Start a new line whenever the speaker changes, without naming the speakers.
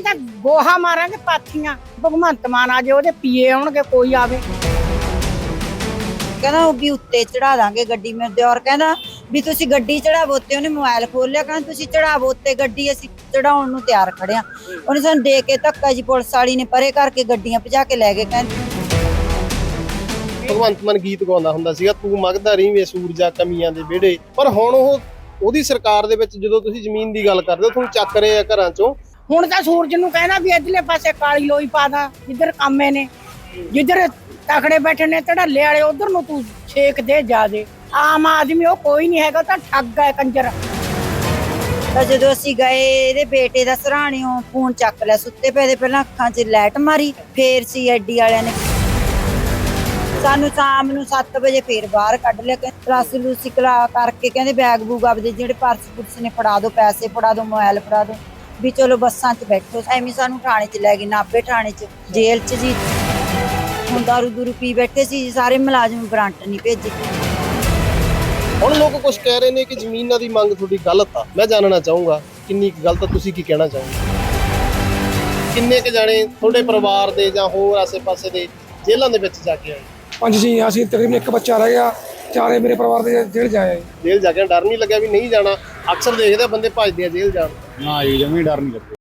ਅਸੀਂ ਤਾਂ ਗੋਹਾ ਮਾਰਾਂਗੇ ਪਾਥੀਆਂ। ਭਗਵੰਤ ਮਾਨ ਆ ਜੇ ਉਹਦੇ ਪੀਏ ਆਉਣਗੇ, ਕੋਈ ਆਵੇ।
ਕਹਿੰਦਾ ਉਹ ਵੀ ਉੱਤੇ ਚੜਾ ਦਾਂਗੇ ਗੱਡੀ। ਮੇਰੇ ਦਿਓਰ ਕਹਿੰਦਾ ਵੀ ਤੁਸੀਂ ਗੱਡੀ ਚੜਾਵੋ, ਤੇ ਉਹਨੇ ਮੋਬਾਈਲ ਖੋਲ ਲਿਆ। ਕਹਿੰਦਾ ਤੁਸੀਂ ਚੜਾਵੋ ਉੱਤੇ ਗੱਡੀ, ਅਸੀਂ ਚੜਾਉਣ ਨੂੰ ਤਿਆਰ ਖੜੇ ਆ। ਉਹਨੇ ਸਾਨੂੰ ਦੇ ਕੇ ਧੱਕਾ ਜੀ, ਪੁਲਿਸ ਵਾਲੀ ਨੇ ਪਰੇ ਕਰਕੇ ਗੱਡੀਆਂ ਭਜਾ ਕੇ ਲੈ ਗਏ। ਕਹਿੰਦੇ
ਭਗਵੰਤ ਮਾਨ ਗੀਤ ਗਾਉਂਦਾ ਹੁੰਦਾ ਸੀਗਾ, ਤੂੰ ਮੰਗਦਾ ਰਹੀ ਵੇ ਸੂਰਜਾ ਕਮੀਆਂ ਦੇ ਵਿਹੜੇ। ਪਰ ਹੁਣ ਉਹਦੀ ਸਰਕਾਰ ਦੇ ਵਿੱਚ ਜਦੋਂ ਤੁਸੀਂ ਜ਼ਮੀਨ ਦੀ ਗੱਲ ਕਰਦੇ ਹੋ, ਤੁਹਾਨੂੰ ਚੱਕ ਰਹੇ ਆ ਘਰਾਂ ਚੋਂ।
ਹੁਣ ਤਾਂ ਸੂਰਜ ਨੂੰ ਕਹਿਣਾ ਵੀ ਇਧਰਲੇ ਪਾਸੇ ਕਾਲੀ ਲੋਈ ਪਾ ਦਾ, ਜਿੱਧਰ ਕਾਮੇ ਨੇ, ਜਿੱਧਰ ਤਕੜੇ ਬੈਠੇ ਨੇ ਧੜੱਲੇ ਵਾਲੇ, ਉਧਰ ਨੂੰ ਤੂੰ ਛੇਕ ਦੇ ਜਾ ਦੇ। ਆਮ ਆਦਮੀ ਉਹ ਕੋਈ ਨਹੀਂ ਹੈਗਾ, ਤਾਂ ਠੱਗ ਹੈ ਕੰਜਰ।
ਤਾਂ ਜਦੋਂ ਅਸੀਂ ਗਏ, ਇਹਦੇ ਬੇਟੇ ਦਾ ਸਰਾਣਿਓਂ ਫੋਨ ਚੱਕ ਲਿਆ। ਸੁੱਤੇ ਪਏ ਦੇ ਪਹਿਲਾਂ ਅੱਖਾਂ 'ਚ ਲਾਈਟ ਮਾਰੀ, ਫੇਰ ਸੀਆਈਡੀ ਵਾਲਿਆਂ ਨੇ ਸਾਨੂੰ ਸ਼ਾਮ ਨੂੰ 7 ਵਜੇ ਫੇਰ ਬਾਹਰ ਕੱਢ ਲਿਆ। ਪਲਾਸੀ ਲੂਸੀ ਕਰਕੇ ਕਹਿੰਦੇ ਬੈਗ ਬੂਗ ਆਪਦੇ ਜਿਹੜੇ ਪਰਸ ਪੁਰਸ ਨੇ ਫੜਾ ਦਿਓ, ਪੈਸੇ ਫੜਾ ਦਿਓ, ਮੋਬਾਈਲ ਫੜਾ ਦਿਓ, ਵੀ ਚਲੋ ਬੱਸਾਂ 'ਚ ਬੈਠੋ। ਐਵੇਂ ਸਾਨੂੰ ਥਾਣੇ 'ਚ ਲੈ ਗਏ, ਨਾਭੇ ਥਾਣੇ 'ਚ, ਜੇਲ੍ਹ 'ਚ ਜੀ। ਹੁਣ ਦਾਰੂ ਦੂਰੂ ਪੀ ਬੈਠੇ ਸੀ ਜੀ, ਸਾਰੇ ਮੁਲਾਜ਼ਮ ਵਾਰੰਟ ਨਹੀਂ ਭੇਜੇ।
ਹੁਣ ਲੋਕ ਕੁਝ ਕਹਿ ਰਹੇ ਨੇ ਕਿ ਜ਼ਮੀਨਾਂ ਦੀ ਮੰਗ ਤੁਹਾਡੀ ਗਲਤ ਆ। ਮੈਂ ਜਾਣਨਾ ਚਾਹੂੰਗਾ ਕਿੰਨੀ ਕੁ ਗਲਤ ਆ, ਤੁਸੀਂ ਕੀ ਕਹਿਣਾ ਚਾਹੋਗੇ? ਕਿੰਨੇ ਕੁ ਜਾਣੇ ਤੁਹਾਡੇ ਪਰਿਵਾਰ ਦੇ ਜਾਂ ਹੋਰ ਆਸੇ-ਪਾਸੇ ਦੇ ਜੇਲ੍ਹਾਂ ਦੇ ਵਿੱਚ ਜਾ ਕੇ ਆਏ?
5 ਜੀ ਅਸੀਂ, ਤਕਰੀਬਨ 1 ਬੱਚਾ ਰਹਿ ਗਿਆ। 4 ਮੇਰੇ ਪਰਿਵਾਰ ਦੇ ਜੇਲ੍ਹ ਜਾਏ।
ਜੇਲ੍ਹ ਜਾ ਕੇ ਡਰ ਨਹੀਂ ਲੱਗਿਆ ਵੀ ਨਹੀਂ ਜਾਣਾ? ਅਕਸਰ ਦੇਖਦੇ ਬੰਦੇ ਭੱਜਦੇ ਆ ਜੇਲ੍ਹ ਜਾਣ।
ਨਾ ਜੀ, ਜਮੀ ਡਰ ਨਹੀਂ ਲੱਗਦਾ।